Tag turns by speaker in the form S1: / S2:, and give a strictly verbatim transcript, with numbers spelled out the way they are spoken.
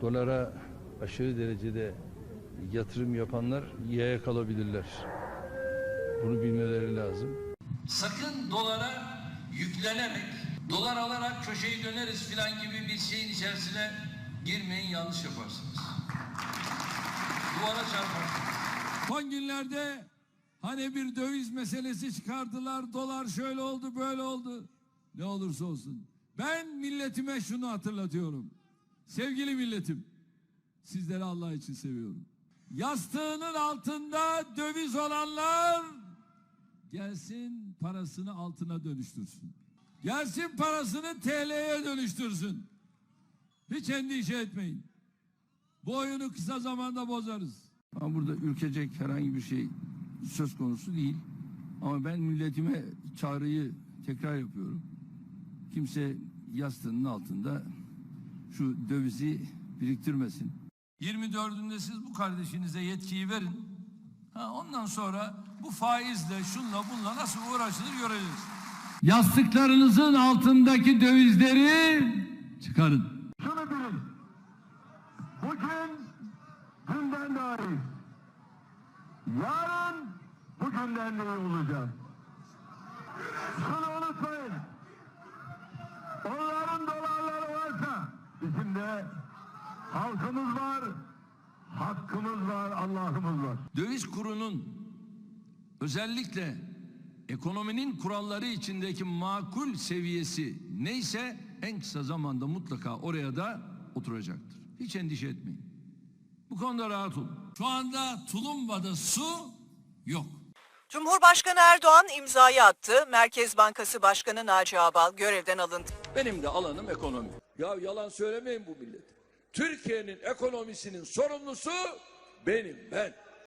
S1: Dolara aşırı derecede yatırım yapanlar yaya kalabilirler. Bunu bilmeleri lazım.
S2: Sakın dolara yüklenerek, dolar alarak köşeyi döneriz filan gibi bir şeyin içerisine girmeyin, yanlış yaparsınız. Duvara çarparsınız.
S3: Son günlerde hani bir döviz meselesi çıkardılar, dolar şöyle oldu, böyle oldu. Ne olursa olsun. Ben milletime şunu hatırlatıyorum. Sevgili milletim, sizleri Allah için seviyorum. Yastığının altında döviz olanlar gelsin parasını altına dönüştürsün. Gelsin parasını T L'ye dönüştürsün. Hiç endişe etmeyin. Bu oyunu kısa zamanda bozarız.
S1: Ama burada ülkecek herhangi bir şey söz konusu değil. Ama ben milletime çağrıyı tekrar yapıyorum. Kimse yastığının altında şu dövizi biriktirmesin.
S3: yirmi dördünde siz bu kardeşinize yetkiyi verin. Ha, ondan sonra bu faizle, şunla, bunla nasıl uğraşılır göreceğiz. Yastıklarınızın altındaki dövizleri çıkarın.
S4: Şunu bilin. Bugün günden daha iyi. Yarın bugünden de iyi olacak. Şunu unutmayın. Onların dolarları varsa bizim de halkımız var, hakkımız var, Allah'ımız var.
S3: Döviz kurunun özellikle ekonominin kuralları içindeki makul seviyesi neyse en kısa zamanda mutlaka oraya da oturacaktır. Hiç endişe etmeyin. Bu konuda rahat olun. Şu anda Tulumba'da su yok.
S5: Cumhurbaşkanı Erdoğan imzayı attı. Merkez Bankası Başkanı Naci Ağbal görevden alındı.
S6: Benim de alanım ekonomi. Ya yalan söylemeyin bu millete. Türkiye'nin ekonomisinin sorumlusu benim, ben.